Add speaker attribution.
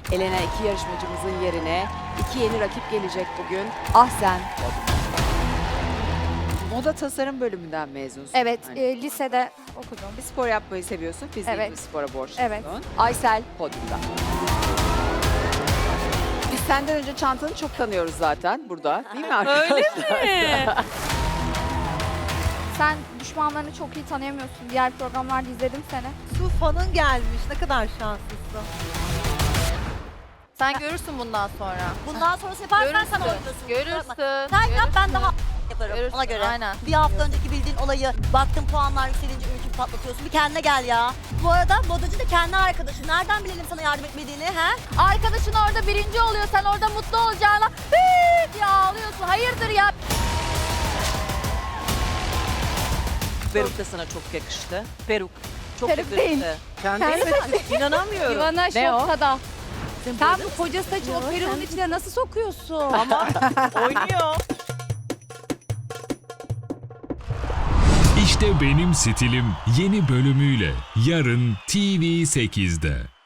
Speaker 1: Elenen iki yarışmacımızın yerine iki yeni rakip gelecek bugün. Ahsen. Moda tasarım bölümünden mezunsun.
Speaker 2: Evet,
Speaker 1: Yani.
Speaker 2: lisede okudum.
Speaker 1: Bir spor yapmayı seviyorsun. Fiziğin
Speaker 2: Evet.
Speaker 1: bir spora borçlusun.
Speaker 2: Evet.
Speaker 1: Aysel podyumda. Biz senden önce çantanı çok tanıyoruz zaten burada. Değil mi arkadaşlar?
Speaker 3: Öyle mi?
Speaker 2: Sen düşmanlarını çok iyi tanıyamıyorsun. Diğer programlarda izledim seni.
Speaker 4: Su fanın gelmiş. Ne kadar şanslısın.
Speaker 3: Sen görürsün bundan sonra.
Speaker 5: Bundan sonrası yaparsan sen
Speaker 3: Görürsün.
Speaker 5: oynasın.
Speaker 3: Görürsün.
Speaker 5: Sen yap ben
Speaker 3: Görürsün.
Speaker 5: daha yaparım
Speaker 3: Görürsün,
Speaker 5: ona göre.
Speaker 3: aynen.
Speaker 5: Bir hafta önceki bildiğin olayı baktın puanlar yükselince ülkü patlatıyorsun. Bir kendine gel ya. Bu arada modacı da kendi arkadaşı. Nereden bilelim sana yardım etmediğini he?
Speaker 3: Arkadaşın orada birinci oluyor. Sen orada mutlu olacağına "Hıı" diye ağlıyorsun. Hayırdır ya?
Speaker 6: Peruk da sana çok yakıştı. Peruk. Çok
Speaker 2: Peruk
Speaker 6: yakıştı.
Speaker 2: değil.
Speaker 6: Kendisi inanamıyorum.
Speaker 7: Ivana
Speaker 1: Ne o?
Speaker 7: şokta. Sen bu koca saçı o peruğun içine nasıl sokuyorsun?
Speaker 6: Ama oynuyor.
Speaker 8: İşte benim stilim yeni bölümüyle yarın TV8'de.